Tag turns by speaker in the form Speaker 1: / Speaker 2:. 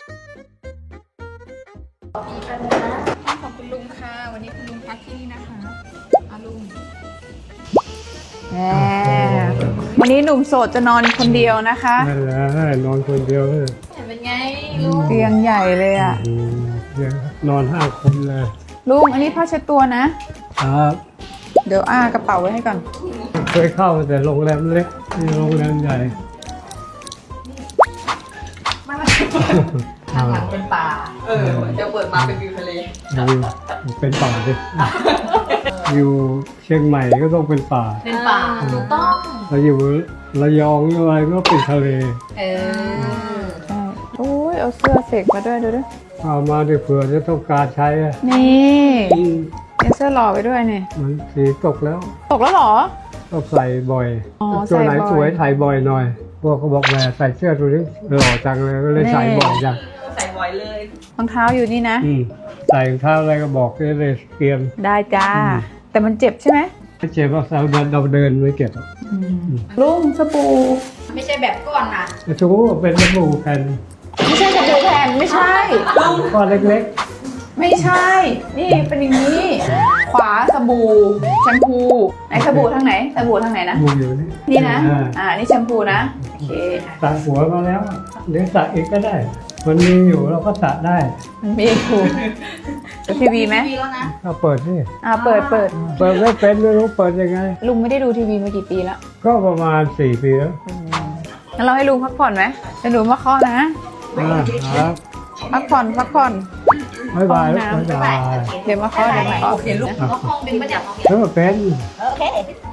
Speaker 1: ห้องของคุณลุงค่ะวันนี้คุณลุงพักที่นี่นะคะลุงวันนี้หนุ่มโสดจะนอนคนเดียวนะคะ
Speaker 2: นั่นแหละนอนคนเดียวเลย
Speaker 1: เป็นไงลุง
Speaker 2: เตี
Speaker 1: เตี
Speaker 2: ย
Speaker 1: ย
Speaker 2: ง
Speaker 1: งใหญ่เลยอ่ะ
Speaker 2: นอน5 คนเลย
Speaker 1: ลุงอันนี้ผ้าเช็ดตัวนะครับ เดี๋ยวกระเป๋าไว้ให้ก่อน
Speaker 2: เคยเข้าแต่โรงแรมเล็กนี่โรงแรมใหญ่
Speaker 1: ข้างหลังเป็นป่าจะเปิดมาเป็นวิวทะเล
Speaker 2: เป็นป่าดิอยู่เชียงใหม่ก็ต้องเป็นป่า
Speaker 1: เป็นป่าถูกต้อง
Speaker 2: เราอยู่ระยองอะไรก็เป็นทะเล
Speaker 1: ใช่โอ้ยเอาเสื้อเสกมาด้วยดูดิ
Speaker 2: เอามาดิเผื่อจะต้องการใช้อะ
Speaker 1: นี่เอาเสื้อหล่อไปด้วยนี่
Speaker 2: มันสีตกแล้ว
Speaker 1: ตกแล้วเหรอ
Speaker 2: ต้องใส่บ่อย
Speaker 1: อ๋อ
Speaker 2: ตัวไหน
Speaker 1: ใส่บ่อย
Speaker 2: สวยถ่ายบ่อยหน่อยพวกเขาบอกแหมใส่เสื้อตัวนี้หล่อจังเลยก็เลยใส่บ่อยจัง
Speaker 1: ใส่บ่อยเลยรองเท้าอยู่นี่นะ
Speaker 2: ใส่รองเท้าอะไรก็บอกเลยเตรียม
Speaker 1: ได้จ้า แต่มันเจ็บใช่ไหม
Speaker 2: ไม่เจ็บว่าเราเดินไม่เก็บ
Speaker 1: ลุงสบู่
Speaker 3: ไม่ใช่แบบก้อนนะ
Speaker 2: ชูเป็นสบู่แผ่น
Speaker 1: ไม่ใช่สบู่แผ่นไม่ใช่
Speaker 2: ก้อนเล็ก
Speaker 1: ไม่ใช่ นี่เป็นอย่างนี้ ขวาสบู่แชมพูไหนสบู่ทางไหนสบู่ทางไหนนะ
Speaker 2: ๆบูอยู่นี่
Speaker 1: นี่นะ
Speaker 2: อ่า
Speaker 1: นี่แชมพูนะโอเค
Speaker 2: สระหัวมาแล้วเดี๋ยวสระอีกก็ได้ มันมีอยู่เราก็สระได้
Speaker 1: มันมีถูกทีวีไหม
Speaker 3: มีแล้วนะ
Speaker 2: ก็เปิดนี่
Speaker 1: เปิด
Speaker 2: เปิดไม่เป็นไม่รู้เปิดยังไง
Speaker 1: ลุงไม่ได้ดูทีวีมากี่ปีแล้ว
Speaker 2: ก็ประมาณ4 ปีแล้ว
Speaker 1: งั้นเราให้ลุงพักผ่อนไหมเดี๋ยวหนูมาเคาะนะ
Speaker 2: ครับ
Speaker 1: พักผ่อน
Speaker 2: บ๊ายบาย
Speaker 1: ห้องน้ำ
Speaker 2: บ๊ายบาย
Speaker 1: เดี๋ยวมาเคาะเดี๋ยวมาเคาะ
Speaker 3: เห็นลูกเขาห้องเป็นประจำ
Speaker 2: แล้วเป็น
Speaker 3: โอเค